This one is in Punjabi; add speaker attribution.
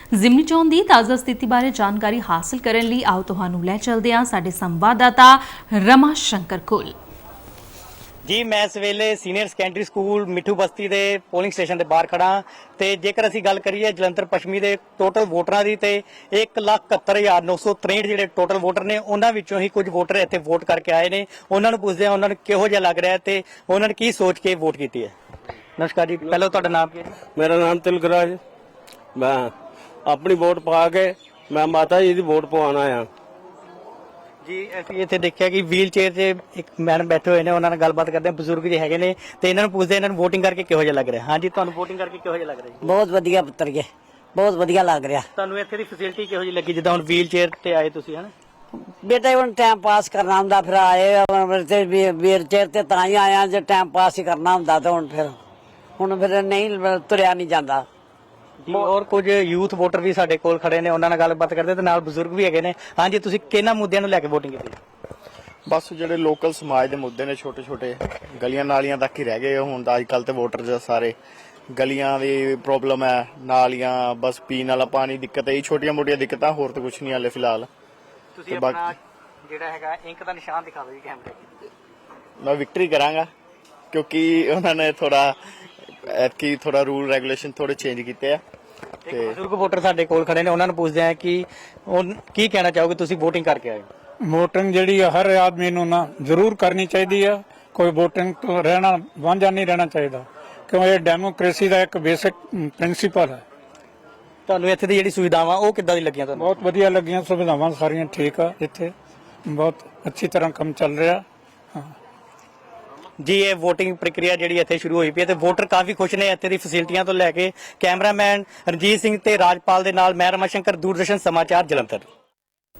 Speaker 1: ਜ਼ਿਮਨੀ ਚੋਣ ਦੀ ਤਾਜ਼ਾ ਸਥਿਤੀ ਬਾਰੇ ਜਾਣਕਾਰੀ ਹਾਸਲ ਕਰਨ ਲਈ ਆਓ ਤੁਹਾਨੂੰ ਲੈ ਚਲਦੇ ਹਾਂ ਸਾਡੇ ਸੰਵਾਦਦਾਤਾ ਰਮਾ ਸ਼ੰਕਰ ਕੋਲ।
Speaker 2: ਜੀ ਮੈਂ ਇਸ ਵੇਲੇ senior secondary school Mitthu Basti ਦੇ ਪੋਲਿੰਗ ਸਟੇਸ਼ਨ ਦੇ ਬਾਹਰ ਖੜਾ ਤੇ ਜੇਕਰ ਅਸੀਂ ਗੱਲ ਕਰੀਏ ਜਲੰਧਰ ਪੱਛਮੀ ਦੇ ਟੋਟਲ ਵੋਟਰਾਂ ਦੀ ਤੇ 1,71,963 ਜਿਹੜੇ ਟੋਟਲ ਵੋਟਰ ਨੇ ਉਹਨਾਂ ਵਿੱਚੋਂ ਹੀ ਕੁਝ ਵੋਟਰ ਇੱਥੇ ਵੋਟ ਕਰਕੇ ਆਏ ਨੇ। ਉਹਨਾਂ ਨੂੰ ਪੁੱਛਦੇ ਆ ਉਹਨਾਂ ਨੂੰ ਕਿਹੋ ਜਿਹਾ ਲੱਗ ਰਿਹਾ ਤੇ ਉਹਨਾਂ ਨੇ ਕੀ ਸੋਚ ਕੇ ਵੋਟ ਕੀਤੀ ਹੈ। ਨਮਸਕਾਰ ਜੀ, ਪਹਿਲਾਂ ਤੁਹਾਡਾ ਨਾਮ ਕੀ ਹੈ?
Speaker 3: ਮੇਰਾ ਨਾਮ ਤਿਲਕਰਾਜ। ਮੈਂ ਆਪਣੀ ਵੋਟ ਪਾ ਕੇ ਮੈਂ ਮਾਤਾ ਜੀ ਦੀ ਵੋਟ ਪਵਾਉਣ ਆਇਆ
Speaker 2: ਜੀ। ਅਸੀਂ ਇੱਥੇ ਦੇਖਿਆ ਕਿ ਵੀਲ ਚੇਅਰ 'ਚ ਇੱਕ ਮੈਡਮ ਬੈਠੇ ਹੋਏ ਨੇ, ਉਹਨਾਂ ਨਾਲ ਗੱਲਬਾਤ ਕਰਦੇ ਆ। ਬਜ਼ੁਰਗ ਜੀ ਹੈਗੇ ਨੇ ਤੇ ਇਹਨਾਂ ਨੂੰ ਪੁੱਛਦੇ ਇਹਨਾਂ ਨੂੰ ਵੋਟਿੰਗ ਕਰਕੇ ਕਿਹੋ ਜਿਹਾ ਲੱਗ ਰਿਹਾ। ਹਾਂਜੀ, ਤੁਹਾਨੂੰ ਵੋਟਿੰਗ ਕਰਕੇ ਕਿਹੋ ਜਿਹਾ ਲੱਗ ਰਿਹਾ ਜੀ?
Speaker 4: ਬਹੁਤ ਵਧੀਆ ਪੁੱਤਰ ਜੀ, ਬਹੁਤ ਵਧੀਆ ਲੱਗ ਰਿਹਾ।
Speaker 2: ਤੁਹਾਨੂੰ ਇੱਥੇ ਦੀ ਫੈਸਿਲਿਟੀ ਕਿਹੋ ਜਿਹੀ ਲੱਗੀ ਜਿੱਦਾਂ ਹੁਣ ਵੀਲ ਚੇਅਰ ਤੇ ਆਏ ਤੁਸੀਂ ਹਨ?
Speaker 4: ਬੇਟਾ ਹੁਣ ਟਾਈਮ ਪਾਸ ਕਰਨਾ ਹੁੰਦਾ, ਫਿਰ ਆਏ ਤੇ ਵੀਰ ਚੇਰ ਤੇ ਤਾਂ ਹੀ ਆਇਆ ਜੇ ਟਾਈਮ ਪਾਸ ਹੀ ਕਰਨਾ ਹੁੰਦਾ ਤਾਂ ਹੁਣ ਫਿਰ ਨਹੀਂ ਤੁਰਿਆ ਨਹੀਂ ਜਾਂਦਾ।
Speaker 2: ਔਰ ਕੁਝ ਯੂਥ ਵੋਟਰ ਵੀ ਸਾਡੇ ਕੋਲ ਖੜੇ ਨੇ, ਉਹਨਾਂ ਨਾਲ ਗੱਲਬਾਤ ਕਰਦੇ ਤੇ ਨਾਲ ਬਜ਼ੁਰਗ ਵੀ ਹੈਗੇ ਨੇ। ਹਾਂਜੀ, ਤੁਸੀਂ ਕਿਹਨਾਂ ਮੁੱਦਿਆਂ ਨੂੰ ਲੈ ਕੇ ਵੋਟਿੰਗ ਕੀਤੀ?
Speaker 5: ਬਸ ਜਿਹੜੇ ਲੋਕਲ ਸਮਾਜ ਦੇ ਮੁੱਦੇ ਨੇ, ਛੋਟੇ ਛੋਟੇ ਗਲੀਆਂ ਨਾਲੀਆਂ ਤੱਕ ਹੀ ਰਹਿ ਗਏ ਹੁਣ ਤਾਂ। ਅੱਜ ਕੱਲ ਤੇ ਵੋਟਰ ਸਾਰੇ ਗਲੀਆਂ ਦੀ ਪ੍ਰੋਬਲਮ ਹੈ, ਨਾਲੀਆਂ, ਬਸ ਪੀਣ ਵਾਲਾ ਪਾਣੀ ਦਿੱਕਤ ਹੈ, ਇਹ ਛੋਟੀਆਂ ਮੋਟੀਆਂ ਦਿੱਕਤਾਂ, ਹੋਰ ਤਾਂ ਕੁਝ ਨਹੀਂ ਹਾਲੇ ਫਿਲਹਾਲ।
Speaker 2: ਤੁਸੀਂ ਆਪਣਾ ਜਿਹੜਾ ਹੈਗਾ ਇੰਕ ਦਾ ਨਿਸ਼ਾਨ ਦਿਖਾ ਦਿਓ ਜੀ ਕੈਮਰੇ 'ਚ।
Speaker 5: ਮੈਂ ਵਿਕਟਰੀ ਕਰਾਂਗਾ ਕਿਉਂਕਿ ਉਹਨਾਂ ਨੇ ਥੋੜਾ ਰੂਲ ਰੈਗੂਲੇਸ਼ਨ ਥੋੜੇ ਚੇਂਜ ਕੀਤੇ ਆ।
Speaker 2: ਤੇ ਬਜ਼ੁਰਗ ਵੋਟਰ ਸਾਡੇ ਕੋਲ ਖੜੇ ਨੇ, ਉਹਨਾਂ ਨੂੰ ਪੁੱਛਦੇ ਆ ਕਿ ਕੀ ਕਹਿਣਾ ਚਾਹੋਗੇ, ਤੁਸੀਂ ਵੋਟਿੰਗ ਕਰਕੇ ਆਏ?
Speaker 6: ਵੋਟਿੰਗ ਜਿਹੜੀ ਆ ਹਰ ਆਦਮੀ ਨੂੰ ਨਾ ਜ਼ਰੂਰ ਕਰਨੀ ਚਾਹੀਦੀ ਆ। ਕੋਈ ਵੋਟਿੰਗ ਤੋਂ ਰਹਿਣਾ ਵਾਂਝਾ ਨਹੀਂ ਰਹਿਣਾ ਚਾਹੀਦਾ, ਕਿਉਂ ਇਹ ਡੈਮੋਕ੍ਰੇਸੀ ਦਾ ਇੱਕ ਬੇਸਿਕ ਪ੍ਰਿੰਸੀਪਲ ਹੈ।
Speaker 2: ਤੁਹਾਨੂੰ ਇੱਥੇ ਦੀ ਜਿਹੜੀ ਸੁਵਿਧਾਵਾਂ ਉਹ ਕਿੱਦਾਂ ਦੀ ਲੱਗੀਆਂ ਤੁਹਾਨੂੰ?
Speaker 6: ਬਹੁਤ ਵਧੀਆ ਲੱਗੀਆਂ, ਸੁਵਿਧਾਵਾਂ ਸਾਰੀਆਂ ਠੀਕ ਆ, ਇੱਥੇ ਬਹੁਤ ਅੱਛੀ ਤਰ੍ਹਾਂ ਕੰਮ ਚੱਲ ਰਿਹਾ।
Speaker 2: ਜੀ, ਇਹ ਵੋਟਿੰਗ ਪ੍ਰਕਿਰਿਆ ਜਿਹੜੀ ਇੱਥੇ ਸ਼ੁਰੂ ਹੋਈ ਪਈ ਹੈ ਤੇ ਵੋਟਰ ਕਾਫੀ ਖੁਸ਼ ਨੇ ਇੱਥੇ ਦੀ ਫੈਸਿਲਿਟੀਆਂ ਤੋਂ ਲੈ ਕੇ। ਕੈਮਰਾਮੈਨ ਰਣਜੀਤ ਸਿੰਘ ਤੇ ਰਾਜਪਾਲ ਦੇ ਨਾਲ ਮੈਂ ਰਮਾ ਸ਼ੰਕਰ, ਦੂਰਦਰਸ਼ਨ ਸਮਾਚਾਰ, ਜਲੰਧਰ।